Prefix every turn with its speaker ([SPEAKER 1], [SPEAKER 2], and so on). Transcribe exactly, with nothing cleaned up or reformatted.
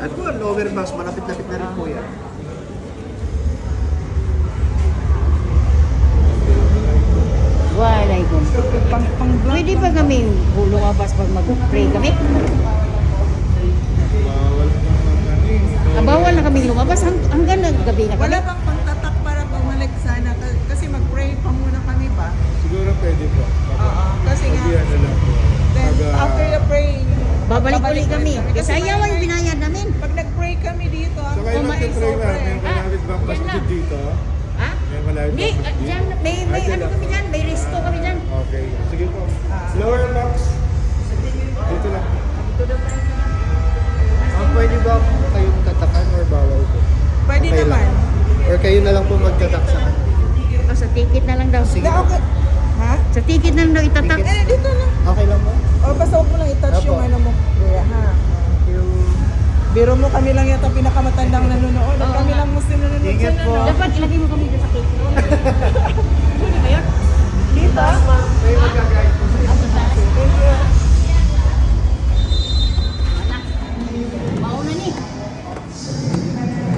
[SPEAKER 1] At po, lower box, malapit-lapit na rin po yan.
[SPEAKER 2] Walay ko.
[SPEAKER 3] Pang, pang
[SPEAKER 2] Pwede ba kami lumabas pag mag-pray kami?
[SPEAKER 4] Bawal pa naman eh.
[SPEAKER 2] Ah, bawal na kami lumabas hang- hanggang ng gabi na kami.
[SPEAKER 3] Wala bang pangtatak para bumalik sana? Ka- Kasi mag-pray pa muna kami ba?
[SPEAKER 4] Siguro pwede po.
[SPEAKER 3] Oo. Kasi nga,
[SPEAKER 4] Pag-iyan na lang po.
[SPEAKER 3] then
[SPEAKER 4] Pag, ah,
[SPEAKER 3] after the praying,
[SPEAKER 2] Babalik
[SPEAKER 3] babalik
[SPEAKER 2] ulit kami.
[SPEAKER 3] ulit
[SPEAKER 2] Kasi ayaw ang binayad namin.
[SPEAKER 3] Pag nag-pray kami dito, ang
[SPEAKER 4] So kayo
[SPEAKER 2] Oh,
[SPEAKER 3] kumain
[SPEAKER 4] magpipray na, may
[SPEAKER 3] sobre.
[SPEAKER 4] malapit bang
[SPEAKER 2] yan
[SPEAKER 4] masjid
[SPEAKER 2] lang.
[SPEAKER 4] dito?
[SPEAKER 2] Ha?
[SPEAKER 4] May malapit
[SPEAKER 2] Hindi,
[SPEAKER 4] bang
[SPEAKER 2] ah,
[SPEAKER 4] masjid?
[SPEAKER 2] dyan, may, may
[SPEAKER 4] Ah, dyan
[SPEAKER 2] ano
[SPEAKER 4] lang
[SPEAKER 2] kami
[SPEAKER 4] po.
[SPEAKER 2] dyan, may resto kami dyan.
[SPEAKER 4] Okay, sige po.
[SPEAKER 3] Ah.
[SPEAKER 4] Lower box. Dito lang.
[SPEAKER 1] Ah, pwede ba kayong tatakan or bawal po?
[SPEAKER 3] Pwede
[SPEAKER 1] Okay
[SPEAKER 3] naman.
[SPEAKER 1] lang. Or kayo na lang po magtatak sa kanila.
[SPEAKER 2] O, sa ticket na lang daw.
[SPEAKER 1] Sige.
[SPEAKER 3] Na, okay. Ha?
[SPEAKER 2] Sa ticket na lang daw itatak.
[SPEAKER 3] Eh, dito na.
[SPEAKER 1] Okay lang po?
[SPEAKER 3] O, basta huwag mo lang i-touch
[SPEAKER 1] Apo.
[SPEAKER 3] yung ano mo. Kuya, ha?
[SPEAKER 1] Yung...
[SPEAKER 3] Biro mo, kami lang yata pinakamatandang nanonood. At
[SPEAKER 2] Oo
[SPEAKER 3] kami
[SPEAKER 2] nga.
[SPEAKER 3] lang mas nanonood
[SPEAKER 1] Ingat
[SPEAKER 3] sa
[SPEAKER 1] po.
[SPEAKER 3] nanonood.
[SPEAKER 2] Dapat ilagay mo kami dyan sa ticket.